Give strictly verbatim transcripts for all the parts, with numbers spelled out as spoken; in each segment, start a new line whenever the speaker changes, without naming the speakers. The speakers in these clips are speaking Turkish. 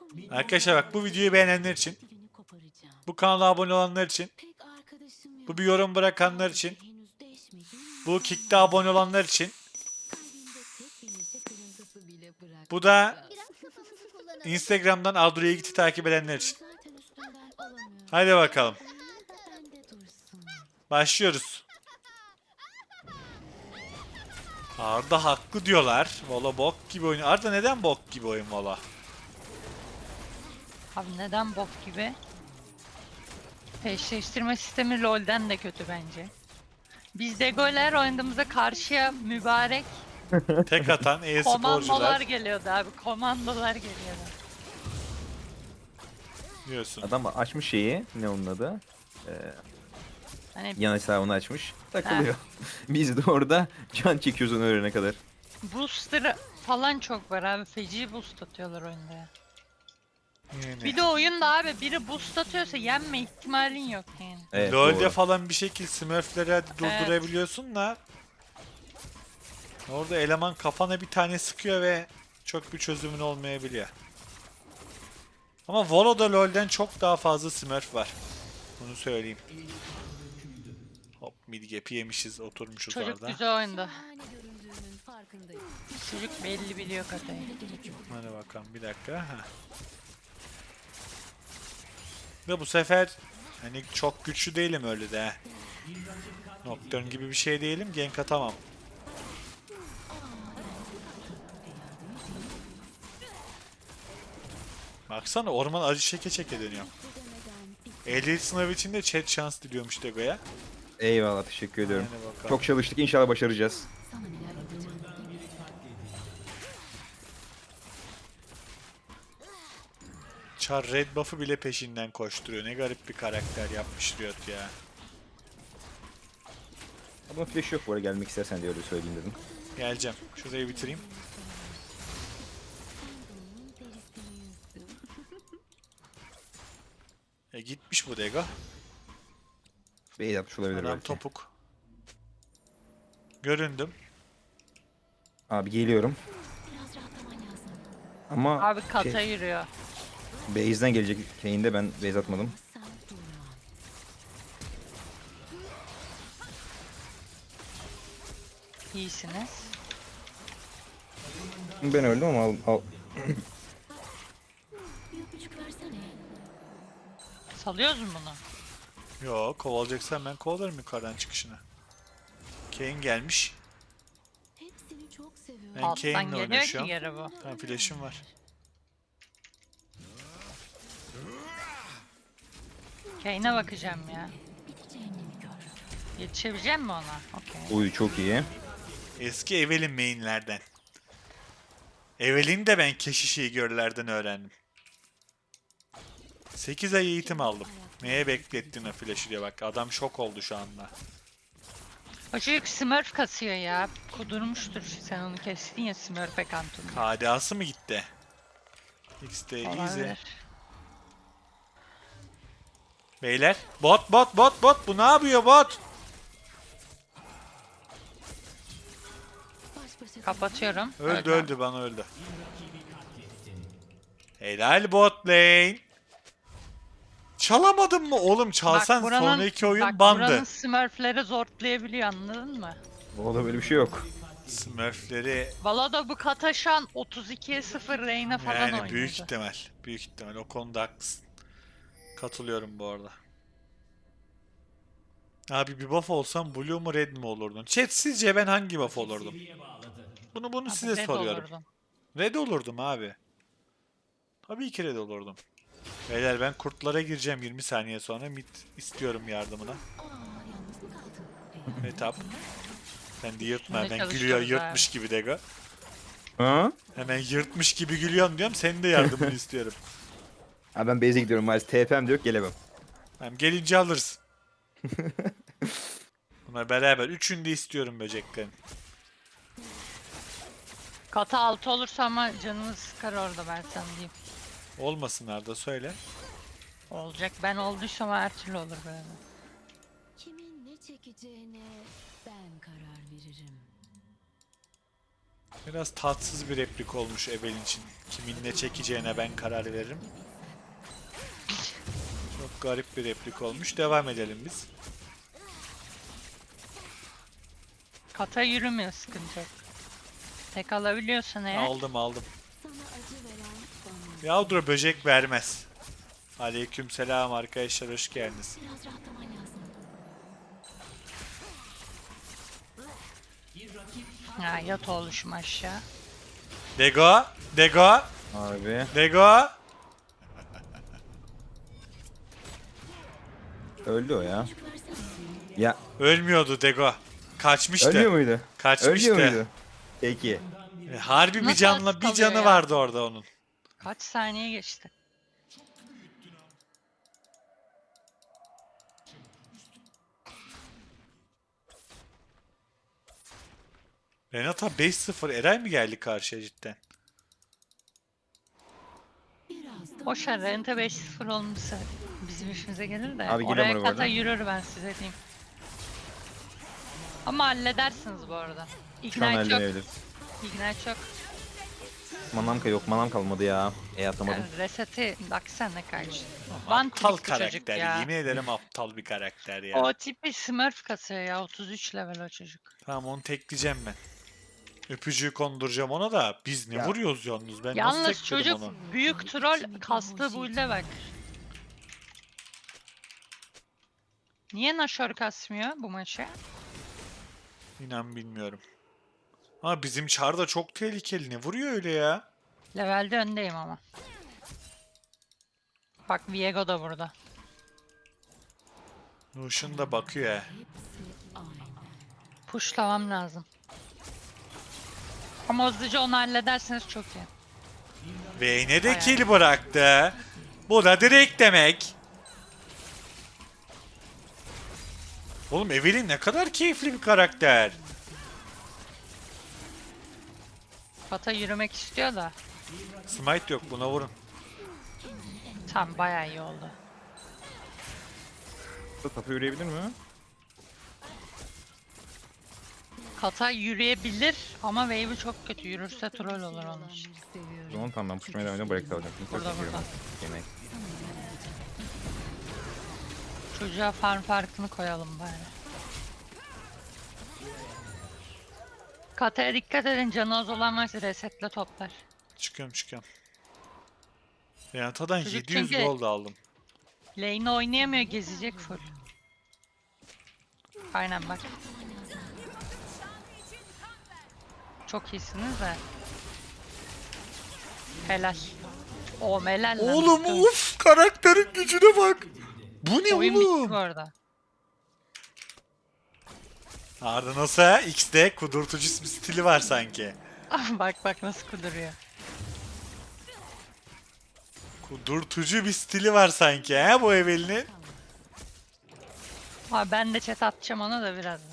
Arkadaşlar bak, bu videoyu beğenenler için, bu kanala abone olanlar için, bu bir yorum bırakanlar için, bu kickte abone olanlar için, bu da Instagram'dan Adro'ya gitti takip edenler için. Hadi bakalım. Başlıyoruz. Arda haklı diyorlar. Valla bok gibi oyun. Arda neden bok gibi oyun valla?
Abi neden bok gibi? Eşleştirme sistemi LoL'den de kötü bence. Biz de goller oynadığımızda karşıya mübarek
Tek atan
komandolar
e-sporcular
geliyordu abi. Komandolar geliyordu.
diyorsun.
Adam açmış şeyi, ne onun adı? Ee,
Hani
yan hesabını açmış. Takılıyor. Biz de orada can çekiyoruz onu öğrene kadar.
booster falan çok var abi. Feci boost atıyorlar oyunda ya.
Yani.
Bir de oyunda abi biri boost atıyorsa yenme ihtimalin yok yani.
Evet,
LoL'de
doğru.
falan bir şekilde Smurf'leri hadi durdurabiliyorsun da orada eleman kafana bir tane sıkıyor ve çok bir çözümün olmayabiliyor. Ama Volo'da LoL'den çok daha fazla Smurf var. Bunu söyleyeyim. Hop, mid gap'i yemişiz, oturmuşuz
Çocuk
orada.
güzel oyunda. Çocuk belli biliyor katayı.
Hadi bakalım bir dakika. Ha. Ve bu sefer hani çok güçlü değilim öyle de. Nocturne gibi bir şey değilim, gank atamam. Baksana, orman acı çeke çeke dönüyor. Ehliyet sınavı için de chat şans diliyormuş Dego'ya.
Eyvallah, teşekkür ediyorum.
Hadi bakalım.
Çok çalıştık, inşallah başaracağız.
Char red buff'ı bile peşinden koşturuyor. Ne garip bir karakter yapmış Riot ya.
Ama flash yok bu arada, gelmek istersen diye öyle söyleyeyim dedim.
Geleceğim. Şurayı bitireyim. E gitmiş bu Dego.
Bey yapmış olabilir
Adam
belki.
topuk. Göründüm.
Abi geliyorum. Ama
Abi kata
şey,
yürüyor.
base'den gelecek Kane'de ben base atmadım.
İyisiniz.
Ben öldüm ama al, al.
Salıyoruz mu bunu?
Yo, kovalayacaksan ben kovalarım yukarıdan çıkışına. Kane gelmiş. Ben
Alttan
Kane'le
geliyor
oynuyorum
ki
şu an.
geri bu.
Tamam, flash'ım var.
Kane'e bakacağım ya. Yetişebilecek mi ona? Okey.
Uy çok iyi.
Eski Evelyn mainlerden. Evelyn de ben keşişi görlerden öğrendim. sekiz ay eğitim aldım. Neye beklettin o flash'ı diye bak. Adam şok oldu şu anda.
O çocuk smurf kasıyor ya. Kudurmuştur. Sen onu kestin ya smurf'e kantonu.
K D A'sı mı gitti? X T easy.
Olabilir.
Beyler. Bot bot bot bot. Bu ne yapıyor bot?
Kapatıyorum.
Öldü öldü, bana öldü. Helal bot lane. Çalamadın mı oğlum? Çalsan
Bak buranın,
sonraki oyun
bak,
bandı.
buranın smurfleri zortlayabiliyor, anladın mı?
Orada böyle bir şey yok.
Smurfleri
Valada bu kata şu an otuz ikiye sıfır Reyna falan
yani
oynuyordu.
büyük ihtimal. Büyük ihtimal. O konuda haklısın. Katılıyorum bu arada. Abi bir buff olsam blue mu red mi olurdun? Chat, sizce ben hangi buff olurdum? Bunu bunu
Abi
size
red
soruyorum.
olurdun.
Red olurdum abi. Tabii ki red olurdum. Beyler ben kurtlara gireceğim yirmi saniye sonra. Mid istiyorum yardımına. Etap. Sen de yırtma.
Şimdi
Hemen gülüyor
çalışıyoruz
yırtmış gibi Dego.
Ha?
Hemen yırtmış gibi gülüyorsun diyorum. Senin de yardımını istiyorum.
Ha ben base'e gidiyorum maalesef. T P'm de yok, gelemem.
Hem gelince alırız. Bunlar beraber. Üçünü de istiyorum böceklerin.
Kata altı olursa ama canını sıkar orada, ben sana diyeyim.
Olmasınlar da söyle.
Olacak, ben olduysam her türlü olur böyle.
Kimin ne çekeceğine ben karar veririm.
Biraz tatsız bir replik olmuş Evelyn için. Kimin ne çekeceğine ben karar veririm. Çok garip bir replik olmuş. Devam edelim biz.
Kata yürümüyor, sıkıntı yok. Tek alabiliyorsan eğer.
Aldım aldım. Yavru böcek vermez. Aleykümselam arkadaşlar, hoş geldiniz.
Ha, yat oluşum aşağı.
Dego, Dego,
Abi.
Dego.
Öldü o ya. Ya
Ölmüyordu Dego. Kaçmıştı.
ölmüyor muydu?
Kaçmıştı.
Ölmüyor muydu? Peki.
E, Harbi bir
Nasıl
canla
az
bir
kalıyor
canı
ya?
vardı orada onun.
Kaç saniye geçti?
Renata beş sıfır. Eray mı geldi karşıya cidden?
Boş ver, Rente beş sıfır olmuşsa bizim işimize gelir de.
Abi geliyorum
oraya
oraya bu
kata
arada.
yürür, ben size diyeyim. Ama halledersiniz bu arada.
Şu an
Ignite yok.
halledebiliriz.
Ignite yok.
Manam ka- yok, manam kalmadı ya. E atamadım.
Yani reseti baksana karşı. One
Aptal
trick bu çocuk
karakter.
ya.
Yemin ederim aptal bir karakter ya.
O tipi smurf kasıyor ya, otuz üç level o çocuk.
Tamam, onu tekleyeceğim ben. Öpücüğü konduracağım ona da. Biz ne
Ya.
vuruyoruz yalnız? Ben nasıl
Yalnız
tekledim
çocuk
onu?
büyük troll, kastığı build'e bak. Niye Nashor kasmıyor bu maçı?
İnan bilmiyorum. Ama bizim Char da çok tehlikeli. Ne vuruyor öyle ya?
Levelde öndeyim ama. Bak Viego da burada.
Lucian da bakıyor ya.
Pushlamam lazım. Ama hızlıca onu hallederseniz çok iyi.
Vayne'e de
Bayağı.
kill bıraktı. Bu da direkt demek. Oğlum Evelyn ne kadar keyifli bir karakter.
Kata yürümek istiyor da.
Smite yok, buna vurun.
Tam bayağı iyi oldu.
Tapu yürüyebilir mi?
Kata yürüyebilir ama wave'i çok kötü. Yürürse troll olur onun.
O zaman tamam, ben pushmaya devam edeceğim. Break alacağım. Şimdi
Burada,
çekiyorum.
burada.
Yemek.
Çocuğa farm farkını koyalım bari. Kata'ya dikkat edin, canı az olan varsa resetle toplar.
Çıkıyorum çıkıyorum. Renata'dan
Çocuk
yedi yüz
çünkü-
gold aldım.
Lane'i oynayamıyor, gezecek full. Aynen bak. Çok iyisiniz de. Helal. O helal lan.
Oğlum
Bakın.
uf, karakterin gücüne bak. Bu ne
Oyun bitti
oğlum?
bu arada.
Arda nasıl? X'de kudurtucu bir stili var sanki.
Bak bak nasıl kuduruyor.
Kudurtucu bir stili var sanki he bu Evelyn'in.
Abi ben de chat atacağım ona da birazdan.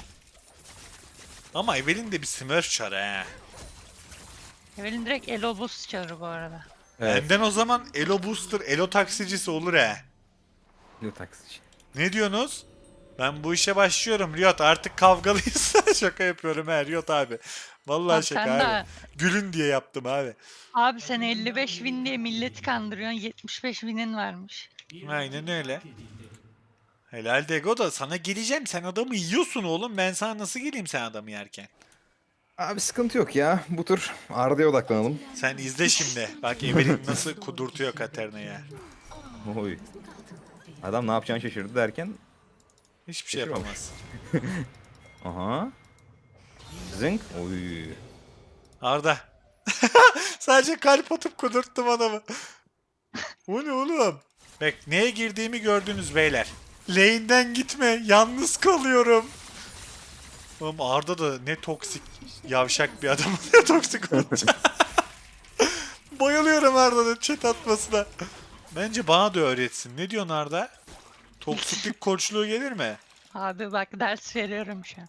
Ama Evelyn de bir smurf çarı he.
Evelyn direkt elo boost çağırır bu arada.
Evet.
Benden o zaman Elo Booster, Elo taksicisi olur he.
Blue taksici.
Ne diyorsunuz? Ben bu işe başlıyorum Riot, artık kavgalıyız. Şaka yapıyorum he Riot abi. Vallahi
Bak
şaka
sen
abi.
de-
Gülün diye yaptım abi.
Abi sen elli beş win diye milleti kandırıyorsun, yetmiş beş win'in varmış.
Aynen öyle. Helal Dego da sana geleceğim. Sen adamı yiyorsun oğlum. Ben sana nasıl geleyim sen adamı yerken?
Abi sıkıntı yok ya. Bu tur Arda'ya odaklanalım.
Sen izle şimdi. Bak Evelyn nasıl kudurtuyor Katerina'ya.
Oy. Adam ne yapacağını şaşırdı derken.
Hiçbir şey
Şaşırmamış.
yapamaz.
Aha. Zınk. Oy.
Arda. Sadece kalp atıp kudurttum adamı. Bu ne oğlum? Bak neye girdiğimi gördünüz beyler. Lane'den gitme. Yalnız kalıyorum. Oğlum Arda da ne toksik yavşak bir adam. Ne toksik olacak. Bayılıyorum Arda'nın chat atmasına. Bence bana da öğretsin. Ne diyorsun Arda? Toksiklik koçluğu gelir mi?
Abi bak ders veriyorum şu an.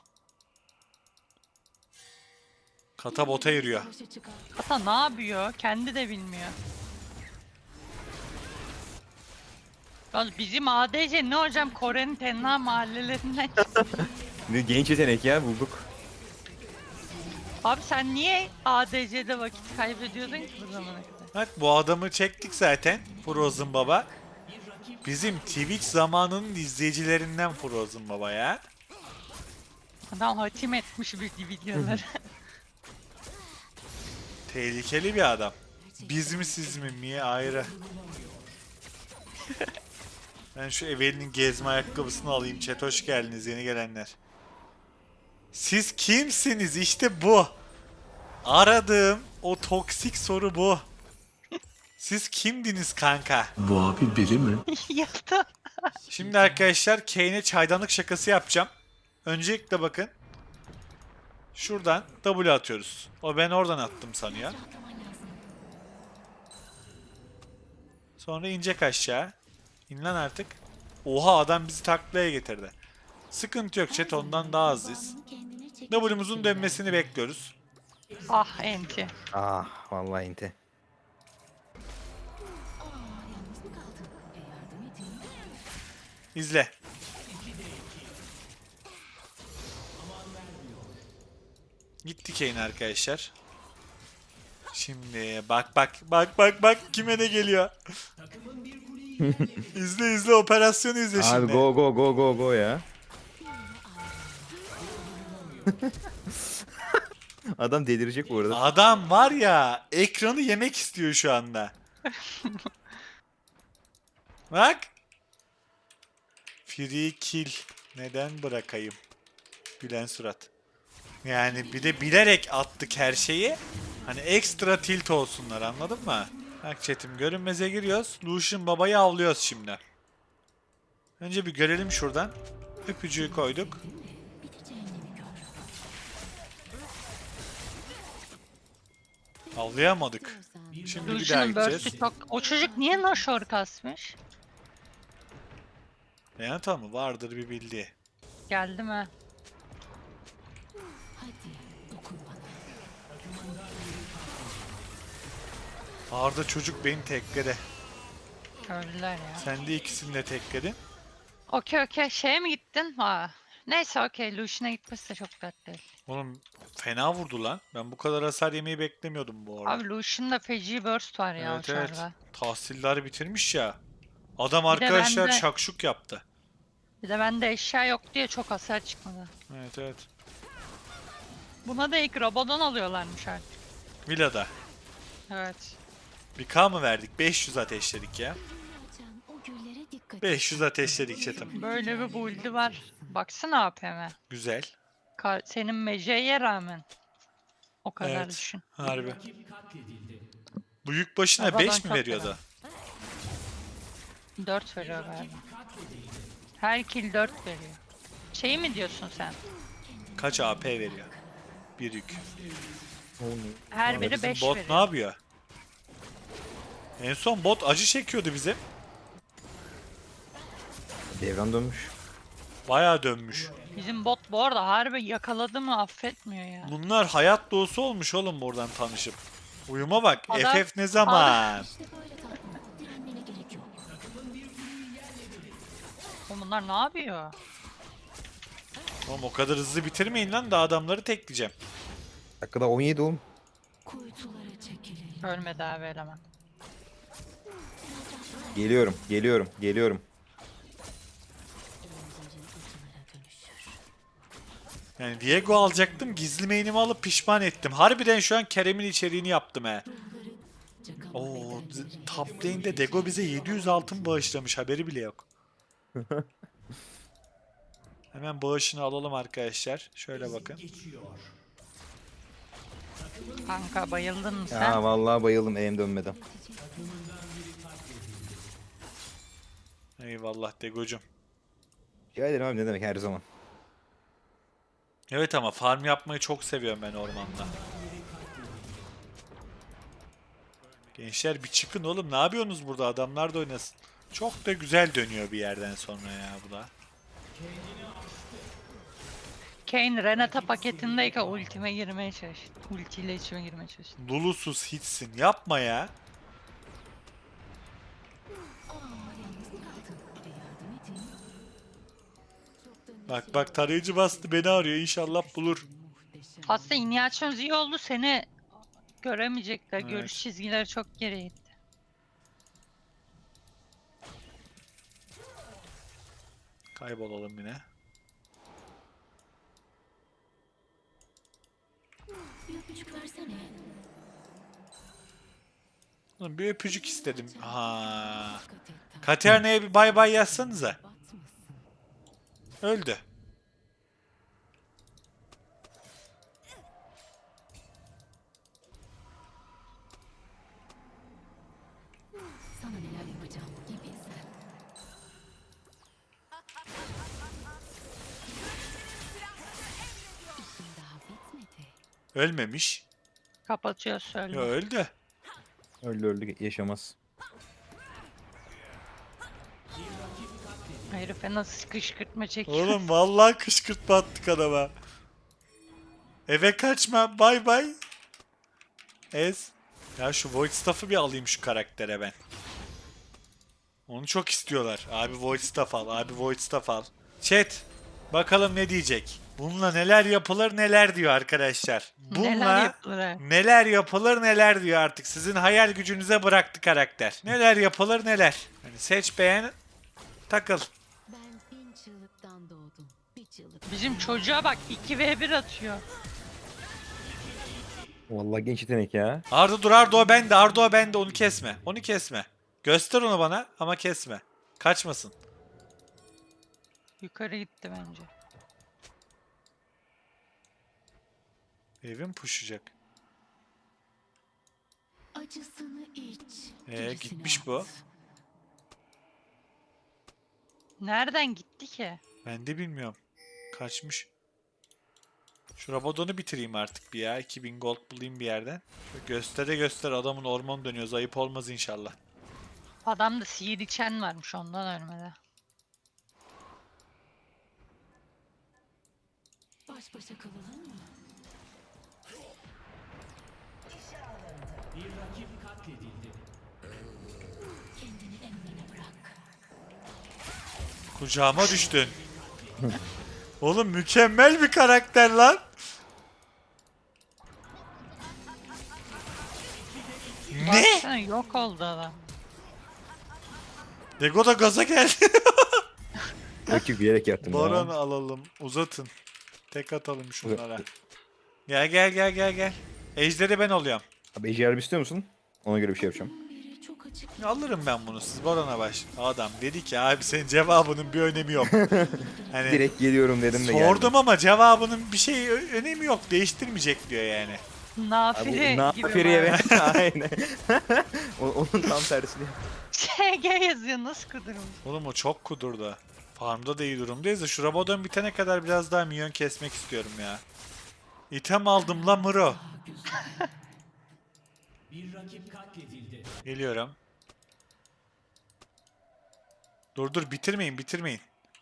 Kata bota yürüyor.
Kata ne yapıyor? Kendi de bilmiyor. Yalnız bizim A D C ne hocam, Kore'nin tenha mahallelerinden çıktı.
Ne genç yetenek ya, bulduk.
Abi sen niye A D C'de vakit kaybediyordun ki bu zamana kadar?
Bak bu adamı çektik zaten. Frozen Baba. Bizim Twitch zamanının izleyicilerinden Frozen Baba ya.
Adam hatim etmiş bir videoları.
Tehlikeli bir adam. Biz mi siz mi mi ayrı. Ben şu Evelyn'in gezme ayakkabısını alayım. Chat hoş geldiniz yeni gelenler. Siz kimsiniz? İşte bu. Aradığım o toksik soru bu. Siz kimdiniz kanka?
Bu abi biri mi?
Yaptı.
Şimdi arkadaşlar Kane'e çaydanlık şakası yapacağım. Öncelikle bakın. Şuradan W atıyoruz. O ben oradan attım sanıyor. Sonra inecek aşağı. İn lan artık. Oha adam bizi taklaya getirdi. Sıkıntı yok chat ondan daha azız. W'muzun dönmesini bekliyoruz.
Ah enti.
Ah vallahi inte.
İzle. Gitti Kane arkadaşlar. Şimdi bak bak bak bak bak kime ne geliyor. izle izle operasyonu izle
Abi
şimdi.
go go go go go ya. Adam delirecek bu arada.
Adam var ya ekranı yemek istiyor şu anda. Bak. Free kill. Neden bırakayım? Gülen surat. Yani bir de bilerek attık her şeyi. Hani ekstra tilt olsunlar anladın mı? Bak chatim görünmeze giriyoruz. Lucian babayı avlıyoruz şimdi. Önce bir görelim şuradan. Öpücüğü koyduk. Avlayamadık. Şimdi bir daha
Lucian'ın
gideceğiz.
burst'ü çok... O çocuk niye Nashor kasmış?
Yani tamam vardır bir bildiği.
Geldi mi?
Arda çocuk beni tekledi.
Öldüler ya.
Sen de ikisini de tekledin.
Okey okey. Şeye mi gittin? Ha. Neyse okey. Lucian'a gitmesi de çok dert değil.
Oğlum fena vurdu lan. Ben bu kadar hasar yemeyi beklemiyordum bu arada.
Abi Lucian'da feci burst var ya
evet
o
evet.
çarda.
Tahsilleri bitirmiş ya. Adam
Bir de
arkadaşlar
bende-
şakşuk yaptı.
Bir de bende eşya yok diye çok hasar çıkmadı.
Evet evet.
Buna da ilk Rabo'dan alıyorlarmış artık.
Villa'da.
Evet.
Bir K mı verdik? beş yüz ateşledik ya. beş yüz ateşledik chatim.
Böyle bir build'i var. Baksana A P M.
Güzel.
Ka- senin meceye rağmen. O kadar
Evet.
düşün.
Harbi. Bu yük başına
Babadan
beş mi
çok
veriyordu?
dört veriyor galiba. Her kill dört veriyor. Şey mi diyorsun sen?
Kaç A P veriyor? Bir yük.
Her biri
Bizim
beş
bot
veriyor.
ne yapıyor? En son bot acı çekiyordu bize.
Devran dönmüş.
Bayağı dönmüş.
Bizim bot bu arada harbi yakaladı mı affetmiyor ya.
Bunlar hayat doğusu olmuş oğlum buradan tanışıp. Uyuma bak.
Adam-
F F ne zaman?
Oğlum bunlar ne yapıyor?
Oğlum o kadar hızlı bitirmeyin lan da adamları tekleyeceğim.
Dakikada on yedi oğlum.
Ölmedi abi eleman.
Geliyorum, geliyorum, geliyorum.
Yani Diego alacaktım. Gizli main'imi alıp pişman ettim. Harbiden şu an Kerem'in içeriğini yaptım he. Oo, z- top lane'de Dego bize yedi yüz altın bağışlamış. Haberi bile yok. Hemen bağışını alalım arkadaşlar. Şöyle bakın.
Kanka bayıldın mı sen?
Ya vallahi bayıldım elim dönmeden.
Eyvallah Dego'cum.
Rica ederim abi ne demek her zaman.
Evet ama farm yapmayı çok seviyorum ben ormanda. Gençler bir çıkın oğlum. Ne yapıyorsunuz burada? Adamlar da oynasın. Çok da güzel dönüyor bir yerden sonra ya bu da.
Kane Renata paketindeyken ultime girmeye çalıştı. Ultiyle içime girmeye çalıştı.
Lulusuz hitsin. Yapma ya. Bak bak tarayıcı bastı beni arıyor. İnşallah bulur.
Aslında iniyasyonuz iyi oldu. Seni göremeyecekler.
Evet.
Görüş çizgileri çok geriye gitti.
Kaybolalım yine.
Bir öpücük versene.
Oğlum bir öpücük istedim. Ha.
Dikkat et. tamam.
Katerina'ya bir bay bay yazsanıza.
Batmasın.
Öldü.
Sana neler yapacağım bir bilsen. İşim daha bitmedi.
Ölmemiş.
Kapatıyor söyle.
Ya öldü.
Öldü öldü yaşamaz.
Herife nasıl kışkırtma çekiyor.
Oğlum vallahi kışkırtma attık adama. Eve kaçma. Bay bay. Ez. Ya şu Void Staff'ı bir alayım şu karaktere ben. Onu çok istiyorlar. Abi Void Staff al. Abi Void Staff al. Chat. Bakalım ne diyecek. Bununla neler yapılır neler diyor arkadaşlar. Bununla
Neler yapılır?
neler yapılır neler diyor artık. Sizin hayal gücünüze bıraktı karakter. Neler yapılır neler. Hani seç beğen takıl.
Ben bin çığlıktan doğdum. Bir çığlık.
Bizim çocuğa bak iki ve bir atıyor.
Vallahi genç yetenek ya.
Arda dur Arda o bende. Arda o bende. Onu kesme. Onu kesme. Göster onu bana ama kesme. Kaçmasın.
Yukarı gitti bence.
Evim puşacak.
Acısını iç.
Ee,
gerisini
gitmiş bu.
at.
Nereden gitti ki?
Ben de bilmiyorum. Kaçmış. Şu Rabadon'u bitireyim artık bir ya. iki bin gold bulayım bir yerden. Şöyle göstere göster adamın orman dönüyor. Ayıp olmaz inşallah.
Adamda sihir içen varmış ondan ölmedi.
Baş başa kalalım mı? Kendini emrine bırak.
Kucağıma düştün. Oğlum mükemmel bir karakter lan. Ne?
Baksana yok oldu adam.
Dego da gaza geldi.
Rakip bilerek yaptım
Baron
ya.
alalım. Uzatın. Tek atalım şunlara. Gel gel gel gel gel. Ejderi ben alıyorum.
Abi ejderha istiyor musun? Ona göre bir şey yapacağım.
Biri çok açık.
Alırım ben bunu. Siz Baron'a baş. Adam dedi ki abi senin cevabının bir önemi yok. Hani
Direkt geliyorum dedim de geldim.
sordum ama cevabının bir şey ö- önemi yok. Değiştirmeyecek diyor yani.
Nafile
Abi,
gibi.
Nafiriye
var.
ve aynen. O- Onun tam tersini.
Ç G yazıyor nasıl kudurmuş.
Oğlum o çok kudurdu. Farmda da iyi durumdayız da şu Rabadon bitene kadar biraz daha minyon kesmek istiyorum ya. İtem aldım la Muro. Geliyorum. Dur dur bitirmeyin bitirmeyin.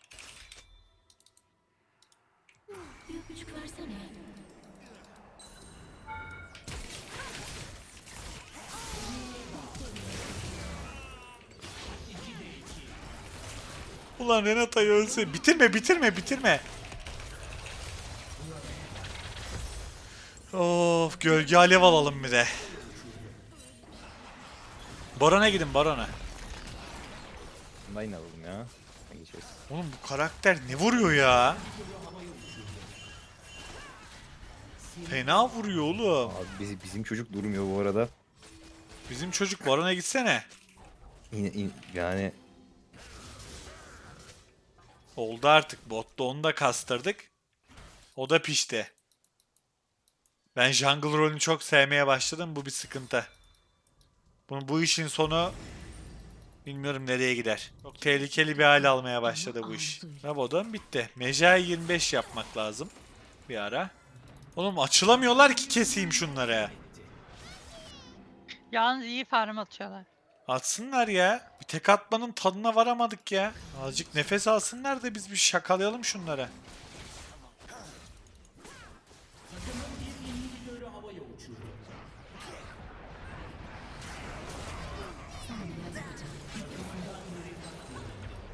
Bir öpücük versene.
Ulan Renata'yı ölse. Bitirme bitirme bitirme. Of gölge alev alalım bir de. Baron'a gidin Baron'a.
Line alalım ya. Geçeriz.
Oğlum bu karakter ne vuruyor ya? Fena vuruyor oğlum.
Abi bizim, bizim çocuk durmuyor bu arada.
Bizim çocuk Baron'a gitsene.
İn, in- yani
Oldu artık. Botta onu da kastırdık. O da pişti. Ben jungle rolünü çok sevmeye başladım. Bu bir sıkıntı. Bu, bu işin sonu bilmiyorum nereye gider. Çok tehlikeli bir hale almaya başladı bu iş. Rabadon bitti. Mejai yirmi beş yapmak lazım. Bir ara. Oğlum açılamıyorlar ki keseyim şunları.
Yalnız iyi farm atıyorlar.
Atsınlar ya. Bir tek atmanın tadına varamadık ya. Azıcık nefes alsınlar da biz bir şakalayalım şunlara.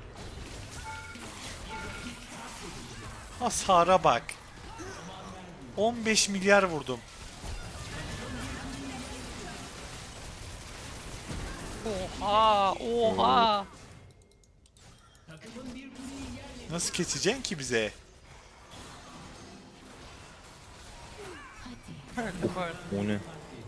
Hasara bak. on beş milyar vurdum.
Oha, oha.
Nasıl keseceksin ki bize?
Öldü bu arada.
O ne?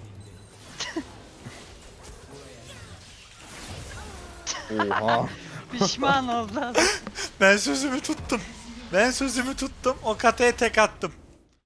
Oha.
Pişman oldu adam.
Ben sözümü tuttum. Ben sözümü tuttum. O kataya tek attım.